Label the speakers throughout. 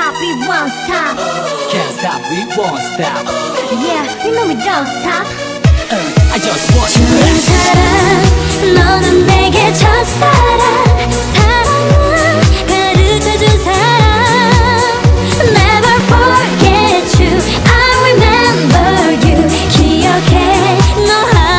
Speaker 1: stop, we won't stop.
Speaker 2: Can't stop, we won't stop.
Speaker 1: Yeah, you know we don't stop.
Speaker 2: I just want you.
Speaker 1: 좋은 사람, 너는 내게 첫사랑. 사랑은 가르쳐준 사람. Never forget you, I remember you. 기억해, 너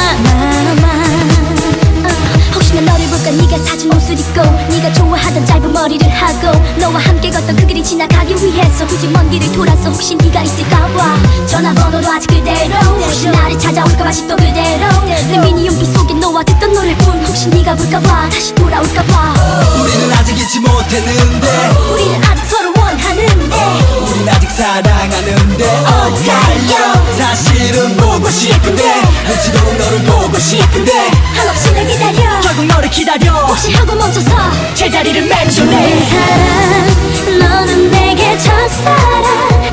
Speaker 1: 하나만. 혹시나 너를 볼까 네가 사준 옷을 입고 네가 좋아하던 짧은 머리를 하고 너와 함께 걷던 그 길이 지나가기 위해서 굳이 먼 길을 돌아서 혹시 네가 있을까봐 전화번호도 아직 그대로 혹시 나를 찾아올까봐 아직도 그대로 내 미니 용기 속에 너와 듣던 노래뿐 혹시 네가 볼까봐 다시 돌아올까봐
Speaker 2: 우리는 아직 잊지 못했는데
Speaker 1: 우리는 아직 서로 원하는데
Speaker 2: 우린 아직 사랑하는데 Oh yeah, yeah. 사실은 보고 싶은데 눈치도록 너를 보고 싶은데
Speaker 1: 한없이 날 기다려
Speaker 2: 결국 너를 기다려
Speaker 1: 혹시 하고 멈춰서
Speaker 2: 제자리를
Speaker 1: 내
Speaker 2: 맴돌네
Speaker 1: 사랑 너는 내게 첫사랑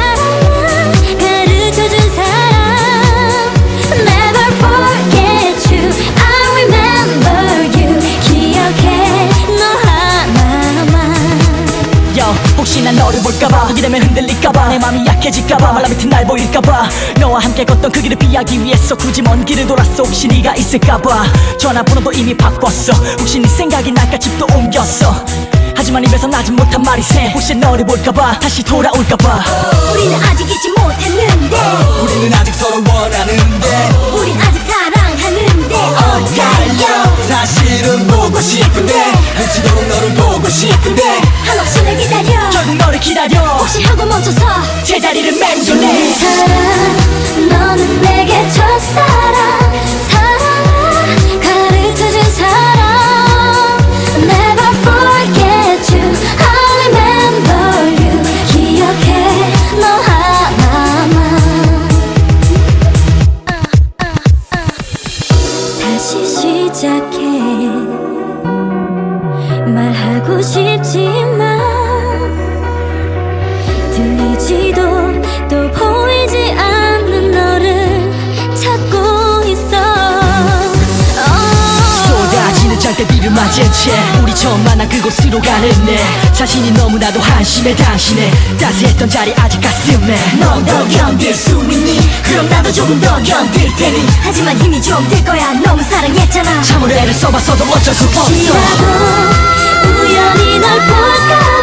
Speaker 1: 사랑은 가르쳐준 사람 Never forget you I remember you 기억해 너 하나만
Speaker 2: Yo, 혹시 난 너를 볼까봐 거기 되면 흔들릴까봐 내 맘이 약해질까봐 말라 밑은 날 보일까봐 너와 함께 걷던 그 길을 피하기 위해서 굳이 먼 길을 돌았어 혹시 네가 있을까봐 전화번호도 이미 바꿨어 혹시 네 생각이 날까 집도 옮겼어 하지만 입에서 나지 못한 말이 새 혹시 너를 볼까봐 다시 돌아올까봐
Speaker 1: 우리는 아직 잊지 못했는데
Speaker 2: 우리는 아직 서로 원하는데
Speaker 1: 우린 아직 사랑하는데 Oh yeah, yeah.
Speaker 2: 사실은 보고 싶은데 눈치도록 너를 보고 싶은데
Speaker 1: 한없이 날 기다려
Speaker 2: 결국 너를 기다려
Speaker 1: 혹시 하고 멈춰서
Speaker 2: 제자리를
Speaker 1: 내
Speaker 2: 맴돌네
Speaker 1: 사랑 너는 내게 첫사랑 사랑을 가르쳐준 사람 Never forget you I remember you 기억해 너 하나만 다시 시작해 말하고 싶지만 들리지도 또 보이지 않는 너를 찾고 있어
Speaker 2: 쏟아지는 장대비를 맞은 채 우리 처음 만난 그곳으로 가는 내 자신이 너무나도 한심해 당신의 따스했던 자리 아직 가슴에 넌 더 견딜 수 있니? 그럼 나도 조금 더 견딜 테니
Speaker 1: 하지만 힘이 좀 들 거야 너무 사랑했잖아
Speaker 2: 참으로 애를 써봐서도 어쩔 수 없어
Speaker 1: 혹시라도 우연히 널 볼까